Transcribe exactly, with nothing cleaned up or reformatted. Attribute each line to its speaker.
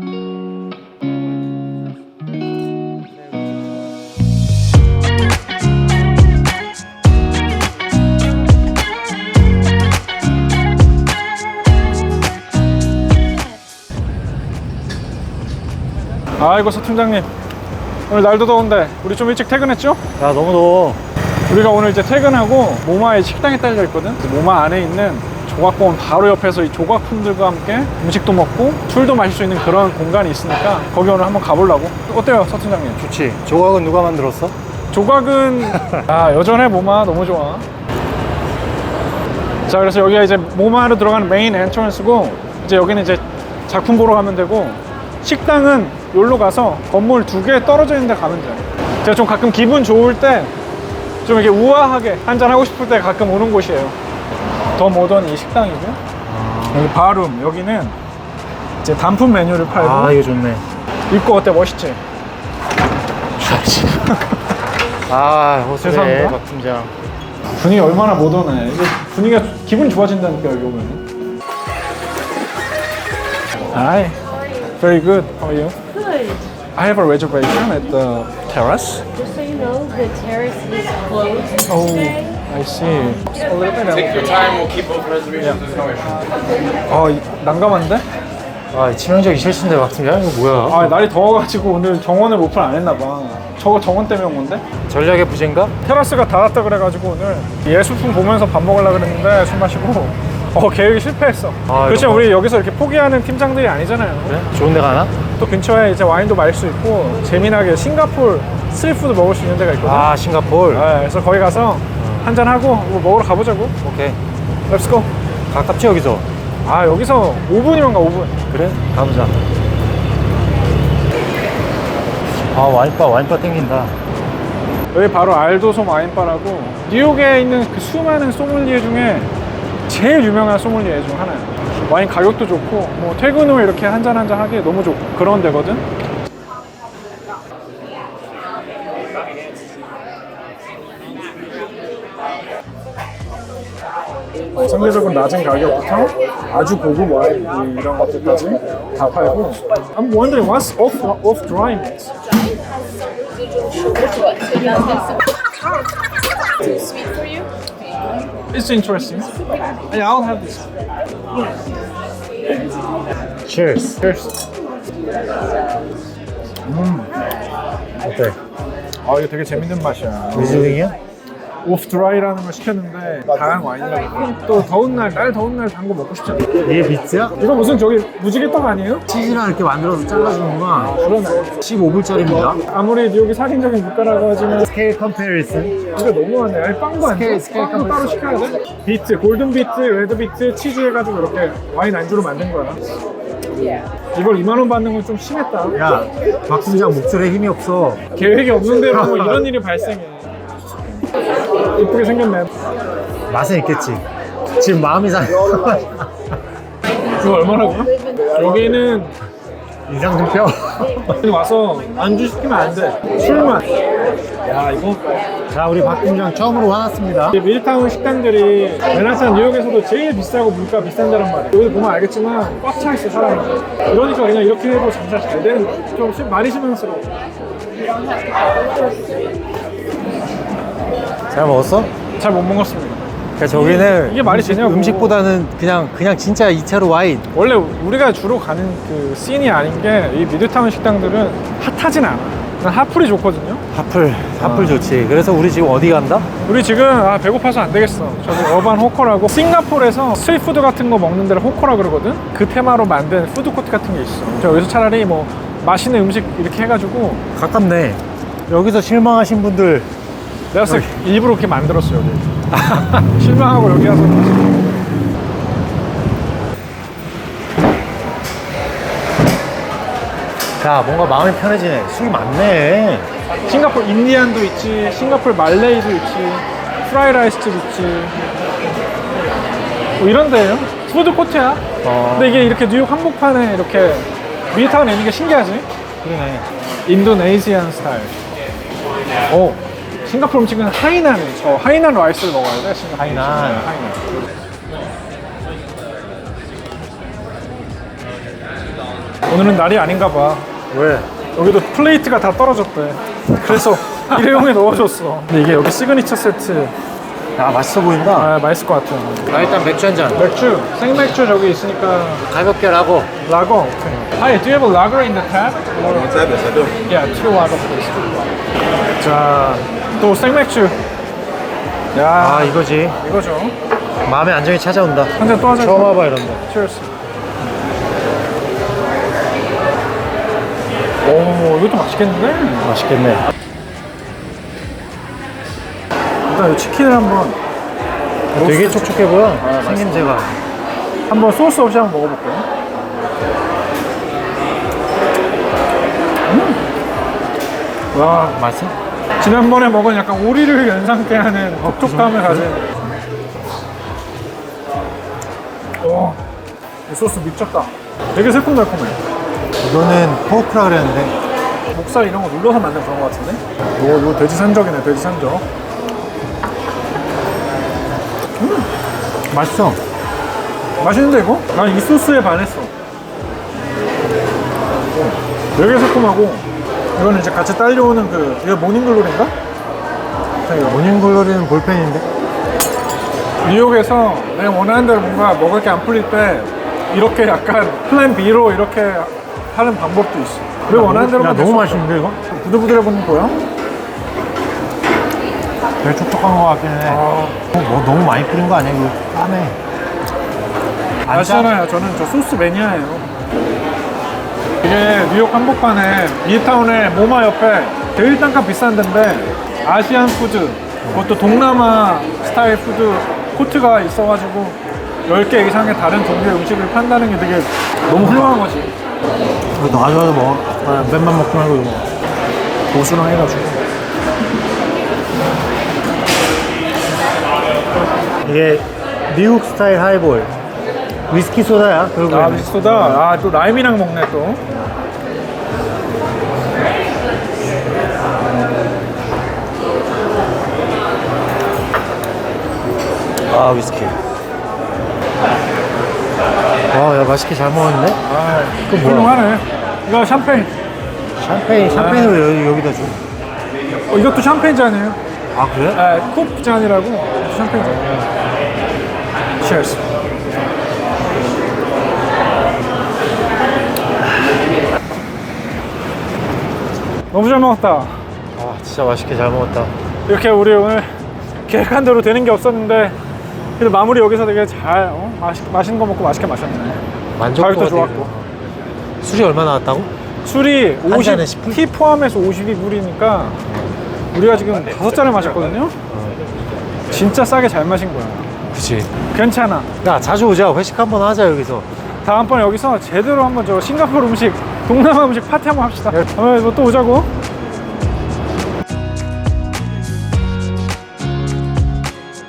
Speaker 1: 아이고 서 팀장님, 오늘 날도 더운데 우리 좀 일찍 퇴근했죠?
Speaker 2: 야 너무 더워.
Speaker 1: 우리가 오늘 이제 퇴근하고 모마의 식당에 딸려 있거든. 모마 안에 있는 조각공원 바로 옆에서 이 조각품들과 함께 음식도 먹고 술도 마실 수 있는 그런 공간이 있으니까 거기 오늘 한번 가보려고. 어때요 서 팀장님?
Speaker 2: 좋지. 조각은 누가 만들었어?
Speaker 1: 조각은 아 여전해. 모마 너무 좋아. 자, 그래서 여기가 이제 모마로 들어가는 메인 엔트런스고, 이제 여기는 이제 작품 보러 가면 되고, 식당은 여기로 가서 건물 두 개 떨어져 있는 데 가면 돼요. 제가 좀 가끔 기분 좋을 때 좀 이렇게 우아하게 한잔 하고 싶을 때 가끔 오는 곳이에요. 더 모던 이 식당이고, 아... 여기 바룸, 여기는 이제 단품 메뉴를 팔고.
Speaker 2: 아 이거 좋네.
Speaker 1: 입고 어때? 멋있지?
Speaker 2: 아 호수래
Speaker 1: 죄송합니다.
Speaker 2: 박 팀장.
Speaker 1: 분위기 얼마나 모던해. 이게 분위기가 기분 좋아진다니까 여기 오면. Hi, very good. How are you?
Speaker 3: Good.
Speaker 1: I have a reservation at the terrace.
Speaker 3: Just so you know, the terrace is closed
Speaker 1: Oh,
Speaker 3: today.
Speaker 1: I see. A little bit.
Speaker 4: Take your time, we'll keep both reservations, there's no issue.
Speaker 1: 어, 이- 난감한데?
Speaker 2: 아 치명적인 실수인데 박 팀장 이거 뭐야?
Speaker 1: 아, 날이 더워가지고 오늘 정원을 오픈 안 했나봐. 저거 정원 때문에 온 건데?
Speaker 2: 전략의 부재인가?
Speaker 1: 테라스가 닫았다 그래가지고 오늘 예술품 보면서 밥 먹으려고 그랬는데 술 마시고 어 계획이 실패했어.
Speaker 2: 아,
Speaker 1: 그렇지만
Speaker 2: 이거
Speaker 1: 우리 여기서 이렇게 포기하는 팀장들이 아니잖아요.
Speaker 2: 그래? 좋은 데 가나?
Speaker 1: 또 근처에 이제 와인도 마실 수 있고 재미나게 싱가포르 스트리트푸드 먹을 수 있는 데가 있거든.
Speaker 2: 아 싱가포르.
Speaker 1: 네, 그래서 거기 가서 한잔 하고 뭐 먹으러 가보자고.
Speaker 2: 오케이.
Speaker 1: 렛츠고.
Speaker 2: 가깝지 여기서?
Speaker 1: 아, 여기서 오 분이면 가. 오 분.
Speaker 2: 그래? 가보자. 아 와인바 와인바 땡긴다.
Speaker 1: 여기 바로 알도솜 와인바라고 뉴욕에 있는 그 수많은 소믈리에 중에 제일 유명한 소믈리에 중 하나야. 와인 가격도 좋고 뭐 퇴근 후에 이렇게 한잔 한잔 하기에 너무 좋고 그런 데거든. 상대적으로 낮은 가격부터 아주 고급 와인 이런 것들까지 다 팔고. I'm wondering what's off off dry means.
Speaker 3: Too sweet for you?
Speaker 1: It's interesting. Yeah, I'll have this.
Speaker 2: Cheers.
Speaker 1: Cheers.
Speaker 2: 어때?
Speaker 1: 아, 이거 되게 재밌는 맛이야.
Speaker 2: 위즐링이야?
Speaker 1: 오프 드라이라는 걸 시켰는데 다양한 와인이라고. 또 더운 날, 날 더운 날 단 거 먹고 싶잖아.
Speaker 2: 이게 비트야?
Speaker 1: 이거 무슨 저기 무지개떡 아니에요?
Speaker 2: 치즈랑 이렇게 만들어서 잘라주는구나.
Speaker 1: 그러네.
Speaker 2: 십오 불짜리입니다.
Speaker 1: 아무리 뉴욕이 살인적인 물가라고 하지만
Speaker 2: 스케일 컴페리슨.
Speaker 1: 이거 너무하네. 아니, 빵도 안
Speaker 2: 스케일,
Speaker 1: 돼.
Speaker 2: 스케일
Speaker 1: 빵도 따로 시켜야 돼? 비트, 골든 비트, 레드 비트, 치즈 해가지고 이렇게 와인 안주로 만든 거야. 이걸 이만 원 받는 건 좀 심했다.
Speaker 2: 야, 박 팀장 목소리에 힘이 없어.
Speaker 1: 계획이 없는데도 뭐 이런 일이 발생해. 이쁘게 생겼네.
Speaker 2: 맛은 있겠지. 지금 마음이 상해.
Speaker 1: 이거 얼마라고요? 여기는
Speaker 2: 인상 좀 펴.
Speaker 1: 여기 와서 안주 시키면 안 돼. 술만. 야, 이거
Speaker 2: 자, 우리 박 팀장 처음으로 화났습니다.
Speaker 1: 이 밀타운 식당들이 맨하탄 뉴욕에서도 제일 비싸고 물가 비싼 데란 말이야. 여기 보면 알겠지만 꽉 차 있어 사람이. 그러니까 그냥 이렇게 해도 장사 잘 되는 거야. 좀 시- 많이 실망스러워.
Speaker 2: 잘 먹었어?
Speaker 1: 잘 못 먹었습니다.
Speaker 2: 그러니까 저기는
Speaker 1: 이게 말이 되냐고.
Speaker 2: 음식보다는 그냥 그냥 진짜 이 차로 와인.
Speaker 1: 원래 우리가 주로 가는 그 씬이 아닌 게 이 미드타운 식당들은 핫하진 않아. 난 핫플이 좋거든요.
Speaker 2: 하플, 하플 좋지. 그래서 우리 지금 어디 간다?
Speaker 1: 우리 지금 아 배고파서 안 되겠어. 저기 어반 호커라고 싱가포르에서 스트리트푸드 같은 거 먹는 데를 호커라 그러거든. 그 테마로 만든 푸드코트 같은 게 있어. 저 여기서 차라리 뭐 맛있는 음식 이렇게 해가지고.
Speaker 2: 가깝네. 여기서 실망하신 분들
Speaker 1: 내가 봤을 때 일부러 그렇게 만들었어 여기. 실망하고 여기 와서.
Speaker 2: 자, 뭔가 마음이 편해지네. 술이 많네.
Speaker 1: 싱가포르 인디안도 있지, 싱가포르 말레이도 있지, 프라이라이스도 있지. 뭐 이런 데예요. 푸드코트야.
Speaker 2: 어.
Speaker 1: 근데 이게 이렇게 뉴욕 한복판에 이렇게 미드타운에 있는 게 신기하지?
Speaker 2: 그러네.
Speaker 1: 인도네시안 스타일. 오, 싱가포르 음식은 하이난, 저 하이난 라이스를 먹어야 돼. 싱가포르
Speaker 2: 하이난.
Speaker 1: 음식은 하이난. 오늘은 날이 아닌가 봐.
Speaker 2: 왜?
Speaker 1: 여기도 플레이트가 다 떨어졌대. 그래서 일회용에 넣어줬어. 근데 이게 여기 시그니처 세트.
Speaker 2: 야, 맛있어 보인다.
Speaker 1: 아, 맛있을 것 같아.
Speaker 2: 나 일단 맥주 한 잔.
Speaker 1: 맥주, 생맥주 저기 있으니까.
Speaker 2: 가볍게 라고.
Speaker 1: 라거. 오케이. Hi, do you have a lager in the tab?
Speaker 4: Tab, yes, I do.
Speaker 1: Yeah, two lager please. 자, 또 생맥주. 야,
Speaker 2: 아, 이거지.
Speaker 1: 이거죠.
Speaker 2: 마음의 안정이 찾아온다.
Speaker 1: 한 잔 또 하자.
Speaker 2: 처음 와봐, 이런 거.
Speaker 1: Cheers. 오, 이것도 맛있겠는데?
Speaker 2: 맛있겠네.
Speaker 1: 일단 이 치킨을 한번
Speaker 2: 되게 촉촉해 보여.
Speaker 1: 아,
Speaker 2: 생김새가.
Speaker 1: 한번 소스 없이 한번 먹어볼게요. 음. 와,
Speaker 2: 맛있어?
Speaker 1: 지난번에 먹은 약간 오리를 연상케 하는 톡톡함을 가진. 오, 이 소스 미쳤다. 되게 새콤달콤해.
Speaker 2: 이거는 포크라 그랬는데.
Speaker 1: 목살 이런 거 눌러서 만든 그런 거 같은데? 이거, 이거 돼지 산적이네, 돼지 산적.
Speaker 2: 맛있어.
Speaker 1: 맛있는데 이거? 난 이 소스에 반했어. 되게 새콤하고 이거는 이제 같이 딸려오는 그 이거 모닝글로리인가?
Speaker 2: 모닝글로리는 볼펜인데.
Speaker 1: 뉴욕에서 내가 원하는 대로 뭔가 먹을 게 안 풀릴 때 이렇게 약간 플랜 B로 이렇게 하는 방법도 있어. 왜 원하는 대로만
Speaker 2: 야,
Speaker 1: 될
Speaker 2: 너무
Speaker 1: 수 없어.
Speaker 2: 맛있는데 이거?
Speaker 1: 부들부들해 보는 거야?
Speaker 2: 되게 촉촉한 거 같긴 해.
Speaker 1: 아,
Speaker 2: 어, 뭐 너무 많이 뿌린 거 아니야? 이거 까매. 안 짜?
Speaker 1: 아시잖아요. 저는 저 소스 매니아예요. 이게 뉴욕 한복판에 미드타운의 모마 옆에 제일 단가 비싼 데인데 아시안 푸드, 그것도 동남아 스타일 푸드 코트가 있어가지고 열 개 이상의 다른 종류의 음식을 판다는 게 되게 너무 훌륭한 거지.
Speaker 2: 이거 놔줘도 먹어. 아, 맨만 먹지 말고 이거 먹어.
Speaker 1: 고수랑 해가지고.
Speaker 2: 이게 미국 스타일 하이볼. 위스키 소다야, 결국에.
Speaker 1: 아, 미소다. 아, 또 라임이랑 먹네, 또.
Speaker 2: 아, 위스키. 와, 야, 맛있게 잘 먹었는데?
Speaker 1: 아,
Speaker 2: 그거 뭐야?
Speaker 1: 훌륭하네. 이거 샴페인.
Speaker 2: 샴페인, 샴페인을 왜 여기다 줘?
Speaker 1: 어, 이것도 샴페인 잔이에요.
Speaker 2: 아, 그래?
Speaker 1: 아, 쿱 잔이라고. 샴페인 잔. Cheers. 너무 잘 먹었다.
Speaker 2: 아, 진짜 맛있게 잘 먹었다.
Speaker 1: 이렇게 우리 오늘 계획한 대로 되는 게 없었는데 그래도 마무리 여기서 되게 잘 어? 맛있, 맛있는 거 먹고 맛있게 마셨네.
Speaker 2: 만족도가
Speaker 1: 가격도
Speaker 2: 되게
Speaker 1: 좋았고.
Speaker 2: 좋아. 술이 얼마 나왔다고?
Speaker 1: 술이
Speaker 2: 한
Speaker 1: 오십,
Speaker 2: 잔에 십 불?
Speaker 1: 티 포함해서 오십이 불이니까 우리가 지금 다섯 잔을 마셨거든요. 진짜 싸게 잘 마신 거야.
Speaker 2: 그치.
Speaker 1: 괜찮아.
Speaker 2: 야, 자주 오자. 회식 한번 하자, 여기서.
Speaker 1: 다음번에 여기서 제대로 한번 저 싱가포르 음식, 동남아 음식 파티 한번 합시다. 다음에 뭐 또 오자고.